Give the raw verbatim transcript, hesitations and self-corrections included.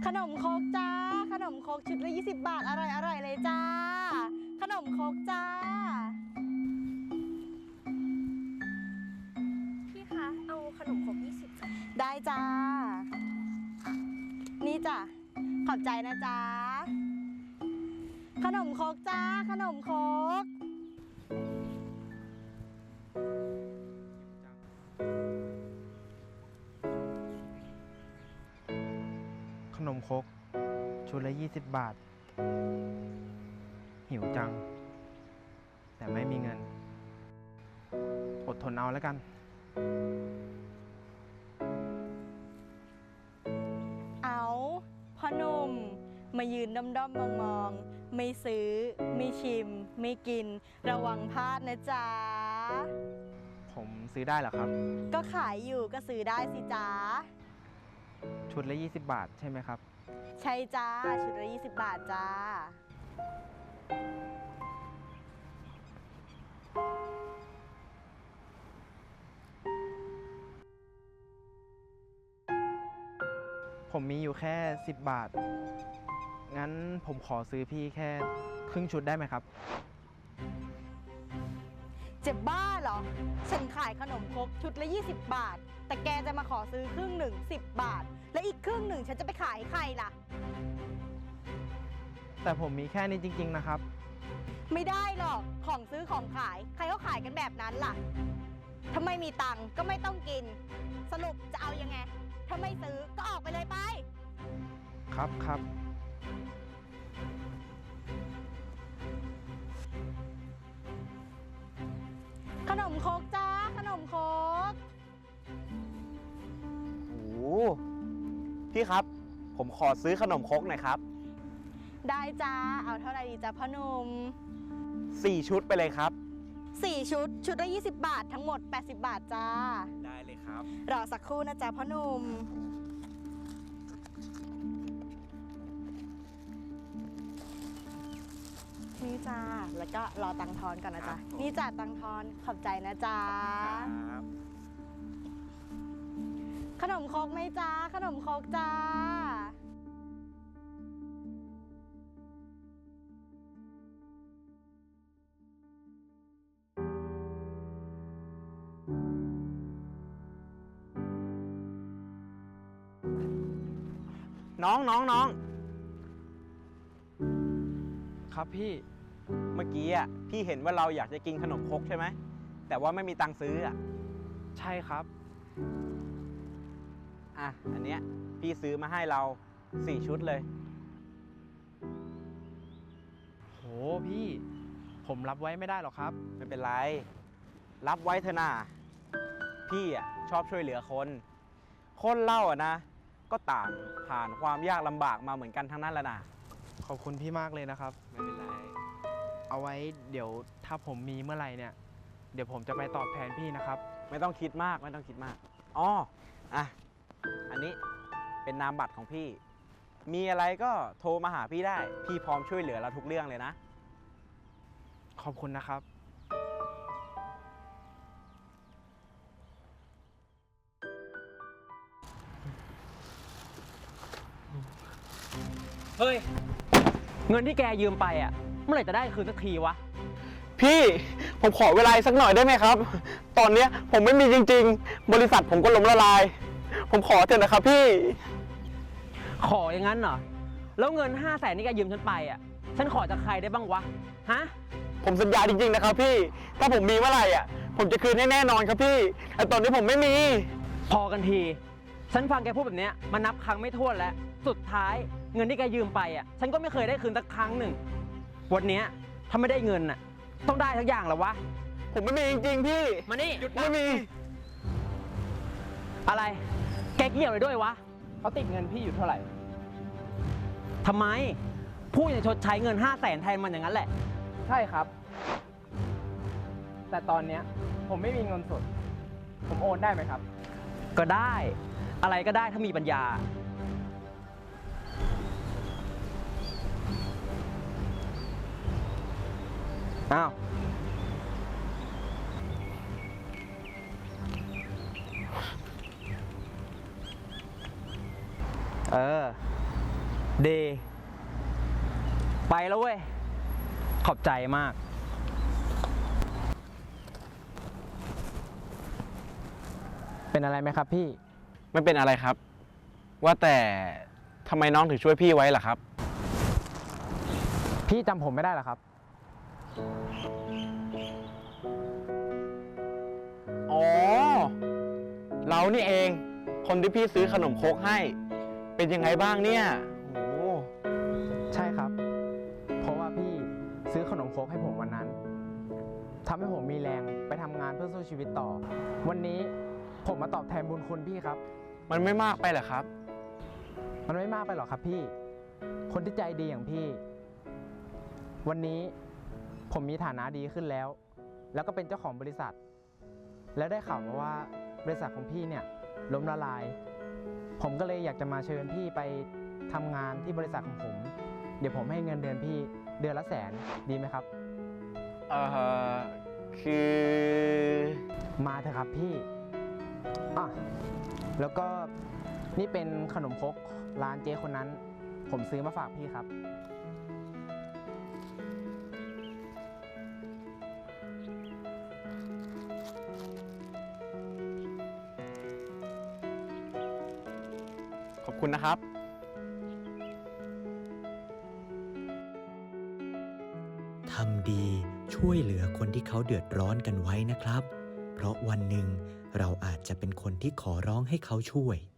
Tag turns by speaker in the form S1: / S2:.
S1: ขนมครกจ้าขนมครกชุดละยี่สิบบาทอร่อยอร่อยเลยจ้าขนมครกจ้า
S2: พี่คะเอาขนมครกยี่สิบจ้ะ
S1: ได้จ้านี่จ้ะขอบใจนะจ้าขนมครกจ้าขนมครก
S3: ขนมครกชุดละยี่สิบบาทหิวจังแต่ไม่มีเงินอดทนเอาแล้วกัน
S1: เอาพ่อหนุ่มมายืนด้อมด้อมมองมองไม่ซื้อไม่ชิมไม่กินระวังพลาดนะจ๊ะ
S3: ผมซื้อได้เหรอครับ
S1: ก็ขายอยู่ก็ซื้อได้สิจ๊ะ
S3: ชุดละยี่สิบบาทใช่ไหมครับ
S1: ใช่จ้าชุดละยี่สิบบาทจ้า
S3: ผมมีอยู่แค่สิบบาทงั้นผมขอซื้อพี่แค่ครึ่งชุดได้ไหมครับ
S1: เจ็บบ้าเหรอฉันขายขนมครกชุดละยี่สิบบาทแต่แกจะมาขอซื้อครึ่งหนึ่งสิบบาทและอีกครึ่งหนึ่งฉันจะไปขายให้ใครล่ะ
S3: แต่ผมมีแค่นี้จริงๆนะครับ
S1: ไม่ได้หรอกของซื้อของขายใครเขาขายกันแบบนั้นล่ะถ้าไม่มีตังค์ก็ไม่ต้องกินสรุปจะเอายังไงถ้าไม่ซื้อก็ออกไปเลยไป
S3: ครับครับ
S1: ขนมครกจ้าขนมครก
S4: โอ้พี่ครับผมขอซื้อขนมครกหน่อยครับ
S1: ได้จ้าเอาเท่าไหร่ดีจ้าพ่อหนุ่ม
S4: สี่ชุดไปเลยครับ
S1: สี่ชุดชุดละยี่สิบบาททั้งหมดแปดสิบบาทจ้า
S4: ได้เลยครับ
S1: รอสักครู่นะจ๊ะพ่อหนุ่มนี่จ้าแล้วก็รอตังทอนก่อนนะจ๊ะนี่จ้าตังทอนขอบใจนะจ๊ะขนมครกไหมจ้าขนมครกจ้า
S4: น้องน้องน้อง
S3: ครับพี่
S4: เมื่อกี้อ่ะพี่เห็นว่าเราอยากจะกินขนมครกใช่ไหมแต่ว่าไม่มีตังค์ซื้ออ่ะ
S3: ใช่ครับ
S4: อ่ะอันเนี้ยพี่ซื้อมาให้เราสี่ชุดเลย
S3: โหพี่ผมรับไว้ไม่ได้หรอกครับ
S4: ไม่เป็นไรรับไว้เถอะนะพี่อ่ะชอบช่วยเหลือคนคนเล่าอ่ะนะก็ต่างผ่านความยากลำบากมาเหมือนกันทั้งนั้นแหละนะ
S3: ขอบคุณพี่มากเลยนะครับ
S4: ไม่เป็นไร
S3: เอาไว้เดี๋ยวถ้าผมมีเมื่อไหร่เนี่ยเดี๋ยวผมจะไปตอบแทนพี่นะครับ
S4: ไม่ต้องคิดมากไม่ต้องคิดมากอ๋ออ่ะอันนี้เป็นนามบัตรของพี่มีอะไรก็โทรมาหาพี่ได้พี่พร้อมช่วยเหลือเราทุกเรื่องเลยนะ
S3: ขอบคุณนะครับ
S5: เฮ้ยเงินที่แกยืมไปอ่ะเมื่อไหร่จะได้คืนสักทีวะ
S4: พี่ผมขอเวลาสักหน่อยได้ไหมครับตอนนี้ผมไม่มีจริงๆบริษัทผมก็ล้มละลายผมขอเถอะนะครับพี่
S5: ขออย่างนั้นเหรอแล้วเงินห้าแสนที่แกยืมฉันไปอ่ะฉันขอจากใครได้บ้างวะฮะ
S4: ผมสัญญาจริงๆนะครับพี่ถ้าผมมีเมื่อไหร่อ่ะผมจะคืนให้แน่นอนครับพี่แต่ตอนนี้ผมไม่มี
S5: พอกันทีฉันฟังแกพูดแบบนี้มานับครั้งไม่ถ้วนแล้วสุดท้ายเงินที่แกยืมไปอ่ะฉันก็ไม่เคยได้คืนสักครั้งหนึ่งวันนี้ถ้าไม่ได้เงินอ่ะต้องได้ทุกอย่างแล้ววะ
S4: ผมไม่มีจริงๆพี่
S5: มานี่
S4: หยุดไม่มี
S5: อะไรแกเกี่ยวเลยด้วยวะ
S3: เขาติดเงินพี่อยู่เท่าไหร่
S5: ทำไมพูดอย่างชดใช้เงินห้าแสนแทนมันอย่างนั้นแหละ
S3: ใช่ครับแต่ตอนเนี้ยผมไม่มีเงินสดผมโอนได้ไหมครับ
S5: ก็ได้อะไรก็ได้ถ้ามีปัญญาอ้าวเออเด ไปแล้วเว้ย ขอบใจมาก
S3: เป็นอะไรไหมครับพี่
S4: ไม่เป็นอะไรครับ ว่าแต่ทำไมน้องถึงช่วยพี่ไว้ล่ะครับ
S3: พี่จำผมไม่ได้เหรอครับ
S4: อ๋อ เรานี่เอง คนที่พี่ซื้อขนมครกให้ เป็นยังไงบ้างเนี่ยโอ้
S3: ใช่ครับ เพราะว่าพี่ซื้อขนมครกให้ผมวันนั้นทำให้ผมมีแรงไปทำงานเพื่อสู้ชีวิตต่อ วันนี้ผมมาตอบแทนบุญคุณพี่ครับ
S4: มันไม่มากไปเหรอครับ
S3: มันไม่มากไปหรอกครับพี่ คนที่ใจดีอย่างพี่ วันนี้ผมมีฐานะดีขึ้นแล้ว แล้วก็เป็นเจ้าของบริษัท แล้วได้ข่าวมาว่าบริษัทของพี่เนี่ยล้มละลาย ผมก็เลยอยากจะมาเชิญพี่ไปทำงานที่บริษัทของผม เดี๋ยวผมให้เงินเดือนพี่เดือนละแสนดีไหมครับ
S4: เอ่อ คือ
S3: มาเถอะครับพี่อ่ะแล้วก็นี่เป็นขนมครกร้านเจ๊คนนั้น ผมซื้อมาฝากพี่ครับ
S4: ขอบคุณนะครับ
S6: ทำดีช่วยเหลือคนที่เขาเดือดร้อนกันไว้นะครับ เพราะวันหนึ่งเราอาจจะเป็นคนที่ขอร้องให้เขาช่วย